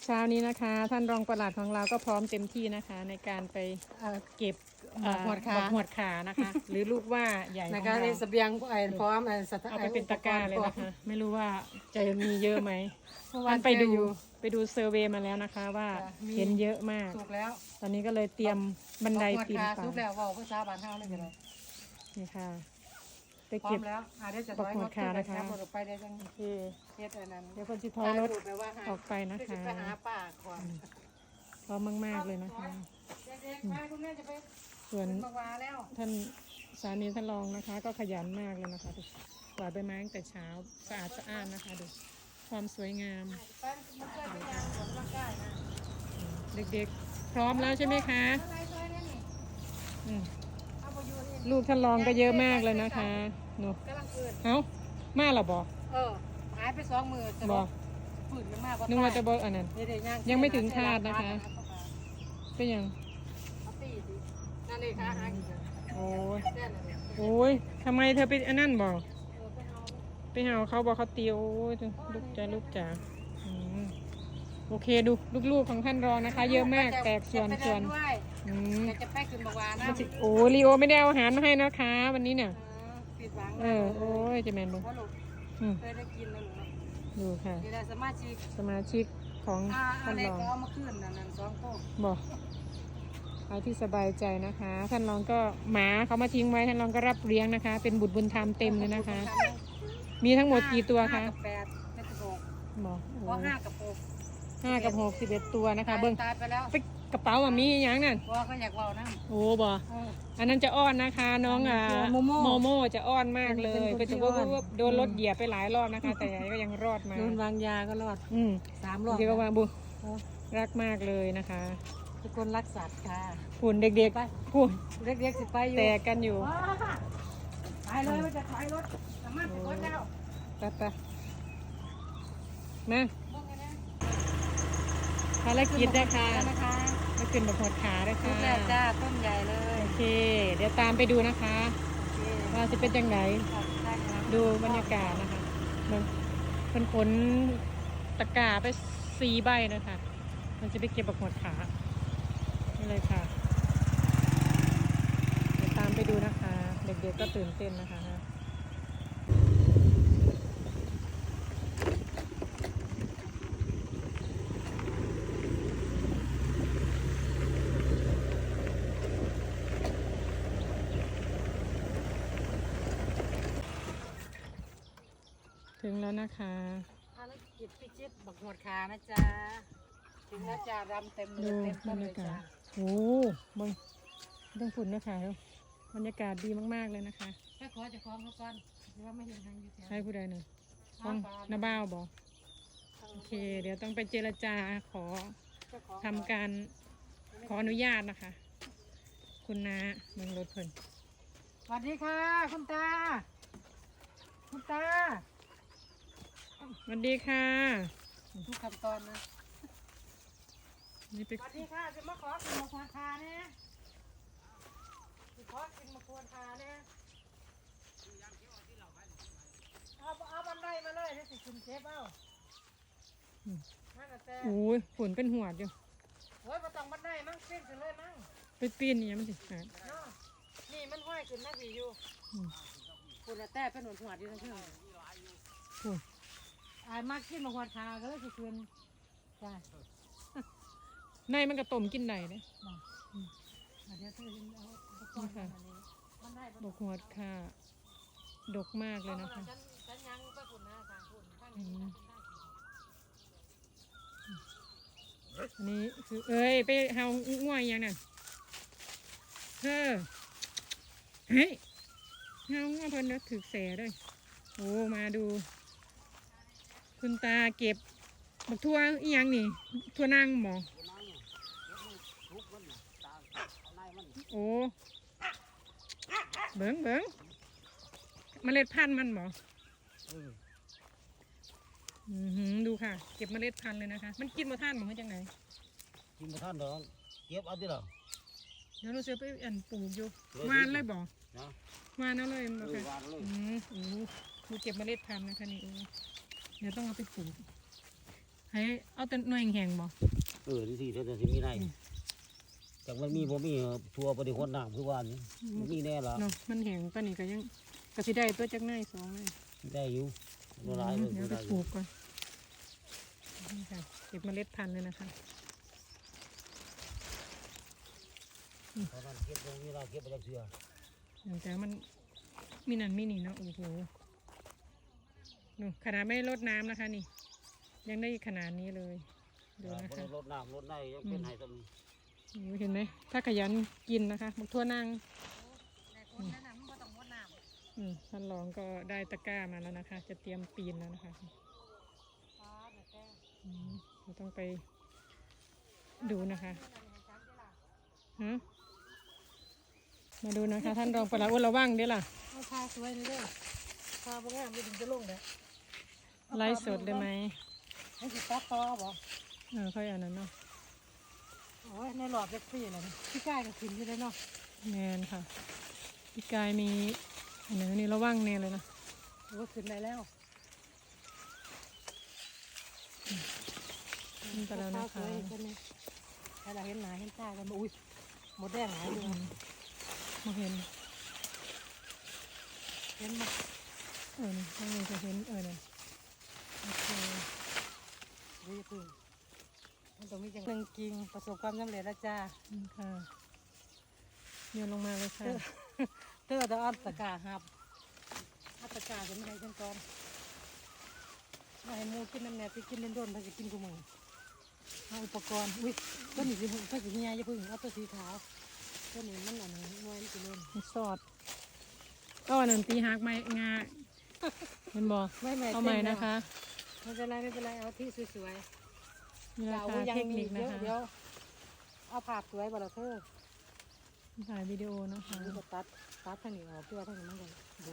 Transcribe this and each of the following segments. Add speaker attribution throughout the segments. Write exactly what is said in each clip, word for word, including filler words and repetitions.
Speaker 1: เช้านี้นะคะท่านรองปลัดของเราก็พร้อมเต็มที่นะคะในการไปเก็บ
Speaker 2: บอกหวดขา
Speaker 1: บอกหวดขานะคะ หรือลูกว่าใหญ่ของ
Speaker 2: นะคะ
Speaker 1: เรา
Speaker 2: ในเสบียงไอ้พร้อมไอ้สถาน
Speaker 1: เอาไปเป็นตะกร้าเลยนะคะ ไม่รู้ว่าจะมีเยอะไหม
Speaker 2: เมื่อวาน
Speaker 1: ไปดู
Speaker 2: เจออยู่
Speaker 1: ไปดูเซอร์เวย์มาแล้วนะคะว่า
Speaker 2: จ้ะมี
Speaker 1: เห็นเยอะมาก
Speaker 2: สุกแล้ว
Speaker 1: ตอนนี้ก็เลยเตรียมบันได
Speaker 2: บอกหว
Speaker 1: ปีน
Speaker 2: ขา
Speaker 1: ไป
Speaker 2: สุกแล้วเว่าภาษาบ้านเฮาเลยกันเลย
Speaker 1: นี่ค่ะ ไป
Speaker 2: พร้อ
Speaker 1: เก็บ
Speaker 2: มแล้วอ่าเดี๋ยวจะ
Speaker 1: บอกหวดขานะคะ
Speaker 2: บดไปเดี๋ยวจัง
Speaker 1: โอเค
Speaker 2: เฮ็ดอันนั้น
Speaker 1: เดี๋ยวคนสิทอยรถ
Speaker 2: ถ่ายปไปว่าหา
Speaker 1: ออกไปนะคะ
Speaker 2: เดี๋ยวจไปหาป้าก่อน
Speaker 1: พร้อมมากๆเลยนะคะ
Speaker 2: เด็กๆไปคุณแม่จะไป
Speaker 1: ส่วน
Speaker 2: บักหวาแล้ว
Speaker 1: ท่านสามีท่านรองนะคะ ก็ขยันมากเลยนะคะดูกวาดใบไม้ตั้งแต่เช้าสะอาดสะอ้านนะคะดูความสวยงาม
Speaker 2: ไปมันเคยไปยางสวนร่างกายนะ
Speaker 1: เด็กๆ พร้อมแล้วใช่ไหมคะ
Speaker 2: อะไรซอยเนี่ยนี่
Speaker 1: อืม
Speaker 2: เอาไปอยู่นี่
Speaker 1: ลูกท่านรองก็เยอะมากเลยนะคะหนู
Speaker 2: กำลังเกิด
Speaker 1: เอ้ามาหรอบอก
Speaker 2: เออหายไปสองมือจะ
Speaker 1: บอก
Speaker 2: ฝืนมันมาก
Speaker 1: นึกว่าจะบอกอันนั้น
Speaker 2: เดี๋ยวๆย่าง
Speaker 1: ยังไม่ถึงคาดนะคะ เป็นยัง
Speaker 2: เอาตีสินั่นเลยค่ะหาอีกแล้ว
Speaker 1: โอ้ย
Speaker 2: แน่นอนเลย
Speaker 1: โอ้ยทำไมเธอไปอันนั้นบอก
Speaker 2: เออไปเอา
Speaker 1: ไปหาเขาบอกเขาเตียวโอ้ยลูกจ๋าลูกจ๋าอืมโอเคดูลูกๆของท่านรองนะคะ เยอะมากแตกส่วน
Speaker 2: จะไป
Speaker 1: ส่วน
Speaker 2: เดิด้วย
Speaker 1: อืม
Speaker 2: เดี๋ยวจะไปขึ้นบักหวานะ
Speaker 1: โอ้ลีโอไม่ได้เอาอาหารมาให้นะคะ วันนี้เนี่ย
Speaker 2: เออปิดหวัง
Speaker 1: เออโอ้ยจะแมนดู
Speaker 2: เพราะลูก
Speaker 1: อืม
Speaker 2: เคยได้กินแล้วหนูเนาะ
Speaker 1: ดูค่ะ
Speaker 2: เดี๋ยวได้สมาชิก
Speaker 1: สมาชิกของ
Speaker 2: อ่าอั
Speaker 1: ท่าน น
Speaker 2: นี้
Speaker 1: รอง
Speaker 2: ก็เอามาขึ้นนั่นนั่นสองโต๊ะ
Speaker 1: บอกเอาที่สบายใจนะคะ ท่านรองก็หมาเขามาทิ้งไว้ท่านรองก็รับเลี้ยงนะคะ เป็นบุตรบุญธรรมเต็มเลยนะคะ มีทั้งหมดกี่ตัวคะ
Speaker 2: ห้ากับแปดไม่สิบหก
Speaker 1: บอก
Speaker 2: เพ
Speaker 1: โอ้
Speaker 2: ราะห้ากับหก
Speaker 1: ห้ากับหกสิบเอ็ดตัวนะคะ เบิ้ง
Speaker 2: ตายไปแล้ว
Speaker 1: ไปกระเป๋าอ่ะมีอย่างนั่น
Speaker 2: ว่าก็อยากเว่านะ
Speaker 1: โอ้บอ
Speaker 2: เออ
Speaker 1: อันนั้นจะอ้อนนะคะ น้องอ่ะ
Speaker 2: โมโม่
Speaker 1: โมโม่จะอ้อนมากเลย
Speaker 2: เป็
Speaker 1: ก็
Speaker 2: นคนที่
Speaker 1: จะว่า
Speaker 2: อ้อน
Speaker 1: ว่าโดนรถเหยียบไปหลายรอบนะคะ แต่ก็ยังรอดมา
Speaker 2: โดนวางยาก็รอด
Speaker 1: อืม
Speaker 2: สามรอบ
Speaker 1: เดี๋ยวก็ว่าบุ
Speaker 2: เออ
Speaker 1: รักมากเลยนะคะ
Speaker 2: ทุกคนรักสัตว์ค่ะ
Speaker 1: หุ่นเด็ก
Speaker 2: ไป
Speaker 1: ๆหุ่น
Speaker 2: เด็กๆสิไปอยู่
Speaker 1: แตกกันอยู่
Speaker 2: ว้าไปเลยมันจะถอยรถสามารถไปรถแล้ว
Speaker 1: ไปไปมา
Speaker 2: บ้องกันนะ
Speaker 1: ภารกิจนะคะ
Speaker 2: นะคะ
Speaker 1: มาขึ้นแบบหดขาด้วย
Speaker 2: ชุ
Speaker 1: ค่ะ
Speaker 2: ดแรกจ้าต้นใหญ่เลย
Speaker 1: โอเค เดี๋ยวตามไปดูนะคะ
Speaker 2: โอเค
Speaker 1: ว่าจะเป็นยังไง
Speaker 2: ได้ครับ
Speaker 1: ดูบรรยากาศนะคะมันเป็นขนตะกร้าไปสีใบนะคะ มันจะไปเก็บแบบหดขานี่เลยค่ะเดี๋ยวตามไปดูนะคะ เด็กๆก็ตื่นเต้นนะคะถึงแล้วนะคะ
Speaker 2: ภารกิจพิชิตบักหวดขานะจ๊ะถึงแล้วจ้ารำเต็มเล
Speaker 1: ดู
Speaker 2: ยเต็ม
Speaker 1: บ
Speaker 2: ต้
Speaker 1: ร
Speaker 2: น
Speaker 1: ร
Speaker 2: เลย
Speaker 1: ยากา
Speaker 2: จ้า
Speaker 1: ศโอ้บงต้องฝุ่นนะคะบรรยากาศดีมากๆเลยนะคะ
Speaker 2: ไปขอเจะคล้าของเขาก่อนหรือว่าไม่เห็นทางอยู่แถว
Speaker 1: ให้ผู้ใดหนึ่งต้องนาบ้าวบอกโอเค เดี๋ยวต้องไปเจรจาขอ
Speaker 2: เจ้าของ
Speaker 1: ทำการขออนุญาตนะคะ คุณนาเมืองรถเพิ่น
Speaker 2: สวัสดีค่ะคุณตา คุณตา
Speaker 1: สวัสดีค่ะ
Speaker 2: ทุกขั้นตอนนะ
Speaker 1: นี่ไป
Speaker 2: สวัสดีค่ะจะมาขอกินมะพร้าวคาเนี่ยจะขอกินมะพร้าวคาเนี่ยเอาเอาบันไดมาเลยเดี๋ยวสิคุณเชฟเอานั่นน่ะแต่
Speaker 1: โอ้ยฝนเป็นหัวดอยู่
Speaker 2: โอ้ยมาต้องบันไดมั่งปิ้นกันเลยมั่ง
Speaker 1: ไปปีนนี่ยังมันสิขาด
Speaker 2: เนาะนี่มันห้อยขึ้นมาผีอยู่
Speaker 1: อืม
Speaker 2: คุณแต่เป็นหนุนหัวดีทั้งคืน
Speaker 1: โอ้ย
Speaker 2: อายมากกินมะพร้าวคาก็เลยสิคืนจ้า
Speaker 1: ในมันก็ต้มกินได้เลย
Speaker 2: เดี๋ยวเธอเอาอุปกรณ์มาอันนี้บันได
Speaker 1: ดอกหัวดค่ะ ดกมากเลยนะคะ
Speaker 2: ฉันฉันยังไปฝุ่นนะทางฝุ่นข้าง
Speaker 1: อื
Speaker 2: นี้
Speaker 1: มอันนี้คือเอ้ยไปเฮาง่วยยังนั่นเธอเฮ้ยเฮาง่วงเพิ่นนะถือแสด้วยโอ้มาดู คุณตาเก็บบักทั่วอีหยังนี่ทั่วนั่งหมอโอ้เบิ้งเบิ้งเมล็ดพันธุ์มันหมออือหือดูค่ะ เก็บเมล็ดพันธุ์เลยนะคะ มันกินมาท่านหมอจังไหน
Speaker 3: กินมาท่านเด้อเก็บเอาดิล่ะ
Speaker 1: เดี๋ยวเราจะไปอันปลูกอยู่
Speaker 3: เออ
Speaker 1: วานเลยบ่
Speaker 3: นะ
Speaker 1: วานเอาเลยบ่
Speaker 3: เออ
Speaker 1: ค่ะ
Speaker 3: วางเลย
Speaker 1: อืมโอ้ดูเก็บเมล็ดพันธุ์นะคะนี่เออเดี๋ยวต้องเอาไปปลูก หให้เอาแต่หน่วยแห้งๆบ่
Speaker 3: เออที่สี่เท่านั้นที่มีในจากมันมีบ่มีทัวร์ปฏิคนน้ำคือว่านี่มันมีแน่ละ
Speaker 1: เนาะมันแห้งปานนี้ก็ยังก็สิได้ตัวจักหน่อยสองหน่อย
Speaker 3: ได้อยู่ละลายเลย
Speaker 1: เดี๋ยวไป
Speaker 3: ได้อ
Speaker 1: ปลู
Speaker 3: ยู่
Speaker 1: กก่อนนี่ค่ะเก็บเมล็ดพันธุ์เลยนะคะ
Speaker 3: เพราะนั้นเก็บตรงนี้เราเก็บไปจากเสือ
Speaker 1: แต่มันมีนั่นมีนี่เนาะโอ้โหดูขนาดไม่ได้รดน้ำนะคะนี่ ยังได้ขนาดนี้เลยดูนะ
Speaker 3: บ่
Speaker 1: คะ
Speaker 3: ได้รดน้ำรดได้ยังเป็นไห้ตรงนี้
Speaker 1: โอ้โหเห็นไหมถ้าขยันกินนะคะบักทั่วนั่ง
Speaker 2: ในคนนั้นน่ะมันบ่ต้องงดน้ำ
Speaker 1: อืมท่านรองก็ได้ตะกร้ามาแล้วนะคะ จะเตรียมปีนแล้วนะคะ
Speaker 2: ฟ้าเดี๋ยวแก
Speaker 1: อืมเราต้องไปดูนะคะ
Speaker 2: เดี๋ยวให้จับได้ล่ะ
Speaker 1: ฮะมาดูนะคะ ท่านรองประหลัดอ้วนระวังเด้อล่ะ
Speaker 2: เอาพาสวยนี่เด้อพาบ่งามบ่ถึงจะลงเด้อ
Speaker 1: ไล่สดเลยไหม
Speaker 2: ให้สิตัดต่อบ่
Speaker 1: เออค่อยอันนั้นเนาะ
Speaker 2: โอ้ยในหลอดเล็กซี่เลยพี่กายก็ขึ้นอยู่เลยเนาะ
Speaker 1: แมนค่ะพี่กายมีอันนี้ระวังเนี่ยเลยนะ
Speaker 2: โอ้ยขึ้นได้แล้ว
Speaker 1: นี่ไปแล้วนะ
Speaker 2: ส
Speaker 1: คะ
Speaker 2: วยๆคนนี้ให้เราเห็นหน้าเห็นตากันบ่อุ้ยหมดแดงหลายอยู่
Speaker 1: มาเห็น
Speaker 2: เห็นบ่
Speaker 1: เออนี่ข้างในจะเห็นเออเนี่ยโอเค
Speaker 2: ดูอย่าพึ่งมันต้องมีจังหนึ่งกิ่งประสบความสำเร็จแล้วจ้า
Speaker 1: นี่ค่ะโยนลงมาเลยค่ะ
Speaker 2: เธอจะเอาตะกร้าหับเอาตะกร้าจะไม่ให้ฉันก่อนมาให้หมูกินน้ำแหน่ไปกินเล่นโดนไปกินกูมึงเอาอุปกรณ์อุ้ยต้นนี้สิต้นสีเฮียอย่าพึ่งเอาตัวสีขาวต้นนี้มันอันนี้งวยมันจะเล่น
Speaker 1: มันสอดก็อันนั้นตีหักไม้งาเห็นบ่
Speaker 2: ไม่ไม่
Speaker 1: เอาใหม่นะคะ
Speaker 2: ไม่เป็นไรไม่เป็นไรเอาที่สวย
Speaker 1: นี่
Speaker 2: ๆ
Speaker 1: รา
Speaker 2: เอา
Speaker 1: คา
Speaker 2: ยัง
Speaker 1: เทค
Speaker 2: มี
Speaker 1: นิค
Speaker 2: เย
Speaker 1: นะ
Speaker 2: อะ
Speaker 1: คะ
Speaker 2: เดี๋ยวเอาภาพสวยบ่ละเธอ
Speaker 1: ถ่ายวิดีโอนะคะ
Speaker 2: ดูก็ตัดตัดทางนี้ออกเพื่อทางนี้มันกันดู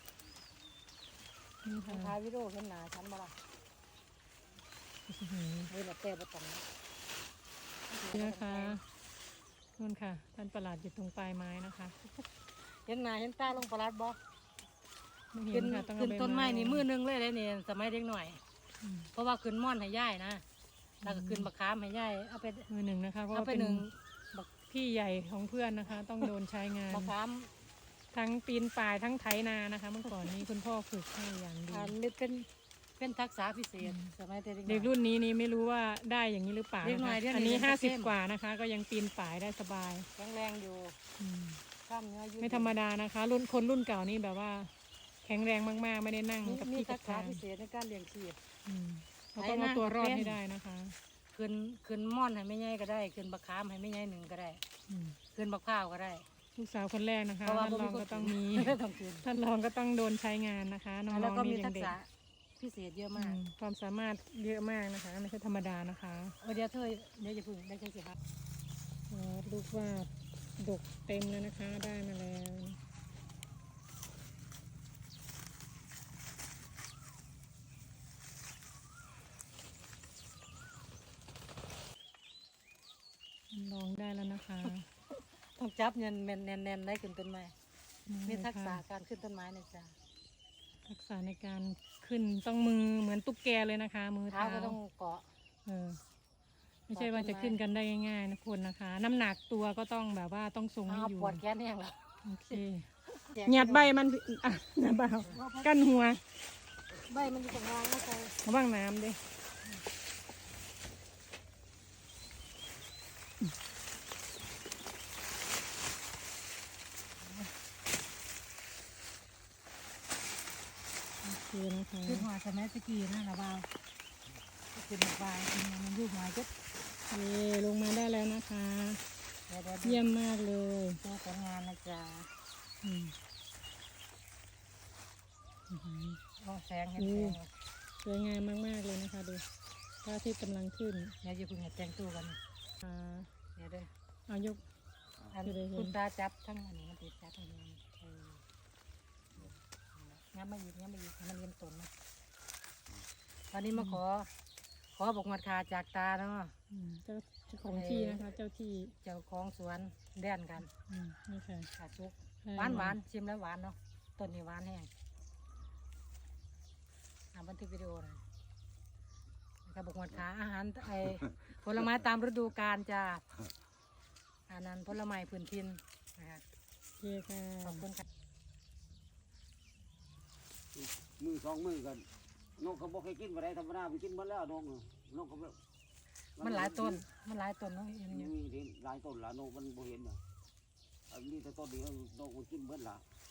Speaker 1: นี่ค่ะ
Speaker 2: ถ่ายวิดีโอเห็นหน้าฉันบ่ละ
Speaker 1: อื้อหือ
Speaker 2: เฮ้ยละแต่บ่ต้องนะ
Speaker 1: นี่นะคะนู่นค่ะ ท่านประหลัดอยู่ตรงปลายไม้นะคะ
Speaker 2: เห็นหน้าเห็นตาลงประหลัดบ่
Speaker 1: ไม่เห็
Speaker 2: ขึ้
Speaker 1: น
Speaker 2: น
Speaker 1: ค่ะต้องเอา
Speaker 2: ขึ้น
Speaker 1: ใบ
Speaker 2: ต้นไม้นี่มือหนึงเลยเลยนี่สมัยเด็กหน่อย
Speaker 1: อืม
Speaker 2: เพราะว่าขึ้นม่อนให้ย่ายนะแล้วก็ขึ้นบักขามให้ย่ายเอาไป
Speaker 1: มือหนึ่งนะคะ เพราะ
Speaker 2: เอา
Speaker 1: ว่า
Speaker 2: ไป
Speaker 1: เป็น
Speaker 2: หนึ่ง
Speaker 1: พี่ใหญ่ของเพื่อนนะคะ ต้องโดนใช้งาน
Speaker 2: บักขาม
Speaker 1: ทั้งปีนป่ายทั้งไถนานะคะ เมื่อก่อนนี้คุณพ่อฝึกให้อย่างดี
Speaker 2: อ่านนี่เป็นเป็นทักษะพิเศษสมัยเด็ก
Speaker 1: เด็กรุ่นนี้นี่ไม่รู้ว่าได้อย่างนี้หรือเปล่า
Speaker 2: เด็ก
Speaker 1: นะ
Speaker 2: หน่
Speaker 1: คะ
Speaker 2: อยเดี๋ยวนี้
Speaker 1: อันนี้
Speaker 2: ยัง
Speaker 1: ห้าสิบ
Speaker 2: เข้ม
Speaker 1: กว่านะคะ ก็ยังปีนป่ายได้สบาย
Speaker 2: แข็งแรงอยู่
Speaker 1: อืม
Speaker 2: กล้ามเนื้อยืด
Speaker 1: ไม่ธรรมดานะคะ รุ่นคนรุ่นเก่านี่แบบว่า แข็งแรงมากๆ ไม่ได้นั่ง
Speaker 2: มี
Speaker 1: กับ
Speaker 2: มี
Speaker 1: ที่กั
Speaker 2: ทั
Speaker 1: บ
Speaker 2: กษะ
Speaker 1: ทาง
Speaker 2: พิเศษในการเลี้ยงชีพ
Speaker 1: อืมเราต้องเอาตัวรอดให้ได้นะคะ
Speaker 2: ขึ้นขึ้นม่อนให้ไม่ใหญ่ก็ได้ขึ้นบักขามให้ไม่ใหญ่หนึ่งก็ได้
Speaker 1: อืม
Speaker 2: ขึ้นบักพร้าวก็ได้
Speaker 1: ลูกสาวคนแรกนะคะ
Speaker 2: เพราะว่า
Speaker 1: ท่านรอง
Speaker 2: บ่มีคน
Speaker 1: ก็ต้องมี
Speaker 2: ไม่ต้องขึ้น
Speaker 1: ท่านรองก็ต้องโดนใช้งานนะคะน้
Speaker 2: แล้ว
Speaker 1: อง
Speaker 2: ก็
Speaker 1: ๆ
Speaker 2: มี
Speaker 1: นี่ยั
Speaker 2: ทั
Speaker 1: ง
Speaker 2: ก
Speaker 1: เด็ก
Speaker 2: ษะพิเศษเยอะ
Speaker 1: อื
Speaker 2: มาก
Speaker 1: มความสามารถเยอะมากนะคะ ไม่ใช่ธรรมดานะคะ
Speaker 2: เออเดี๋ยวเธอเดี๋ยวจะพึ่งได้จังสิครับ
Speaker 1: อ๋อลูกว่าดกเต็มแล้วนะคะ ได้มาแล้วท่านรองได้แล้วนะคะ
Speaker 2: ต้องจับเงินแน่นแน่นแน่นได้ขึ้นต้นไม้มีทักษะ
Speaker 1: ค่ะ
Speaker 2: การขึ้นต้นไม้นะจ๊ะ
Speaker 1: ทักษะในการขึ้นต้องมือเหมือนตุ๊กแกเลยนะคะ มือ
Speaker 2: เท้า
Speaker 1: เท้า
Speaker 2: ก็ต้องเกาะ
Speaker 1: เออไม่ใช่ว่าจะขึ้นกันได้ง่ายๆนะคุณนะคะ น้ำหนักตัวก็ต้องแบบว่าต้องทรงให้
Speaker 2: เอา
Speaker 1: อยู่
Speaker 2: ปวดแขนแห้งแล้ว
Speaker 1: โอเคหยัดใบมันอ่ะหยัดใบเอากั้นหัว
Speaker 2: ใบมันจะงางนะจ๊ะ
Speaker 1: ระวังน้ำดิโอเคนะคะ
Speaker 2: ขึ้นหัวสมัยตะกี้นะระบาวขึ้นบายขึ้นมามันยุบหายจุด
Speaker 1: เย่ลงมาได้แล้วนะคะ
Speaker 2: เดี๋ยวเดี๋ยว
Speaker 1: เยี่ยมมากเลย
Speaker 2: ตัวผลงานนะจ๊ะ
Speaker 1: อืมอื้อหือ
Speaker 2: โอ้แสงเห็นแสง
Speaker 1: สวยงามมากๆเลยนะคะดูพระอาทิตย์กำลังขึ้น
Speaker 2: เดี๋ยวจะพึ่งให้แต่งตัวกัน
Speaker 1: อ่า
Speaker 2: เดี๋ยวเด้อ
Speaker 1: เอายก
Speaker 2: อัน
Speaker 1: จะได้เห็น
Speaker 2: คุณตาจับทั้งอันนี้มันติดจับทั้งนี้เอองับมาอีกงับมาอีกให้มันเรียนตนนะวันนี้มาขอ ขอบอกหมัดขาจากตาเนาะ
Speaker 1: อืมเจ้าเจ้าของที่นะคะ เจ้าที่
Speaker 2: เจ้าของสวนแดนกัน
Speaker 1: อืมนี่ค่ะ
Speaker 2: ขาซุกหวานหวานชิมแล้วหวานเนาะต้นนี้หวานแห้งอ่าบันทึกวิดีโอหน่อยกระบอกหมดขาอาหารไอผลไม้ตามฤดูกาลจ้าอันนั้นผลไม้พื้นถิ่นนะคะ
Speaker 1: โอเคค่ะ
Speaker 2: ขอบคุณค่ะ
Speaker 3: มือสองมือกันนกเขาบอกให้กินอะไรธรรมดาไปกินหมดแล้วนกน่ะนกเขาแบบ
Speaker 2: มันหลายต้นมันหลายต้นเนาะเห็น
Speaker 3: มี
Speaker 2: อยู่
Speaker 3: เห็นหลายต้นหลายนกมันบ่เห็นน่ะอันนี้แต่ต้นเดียวนกมันกินเบิดละ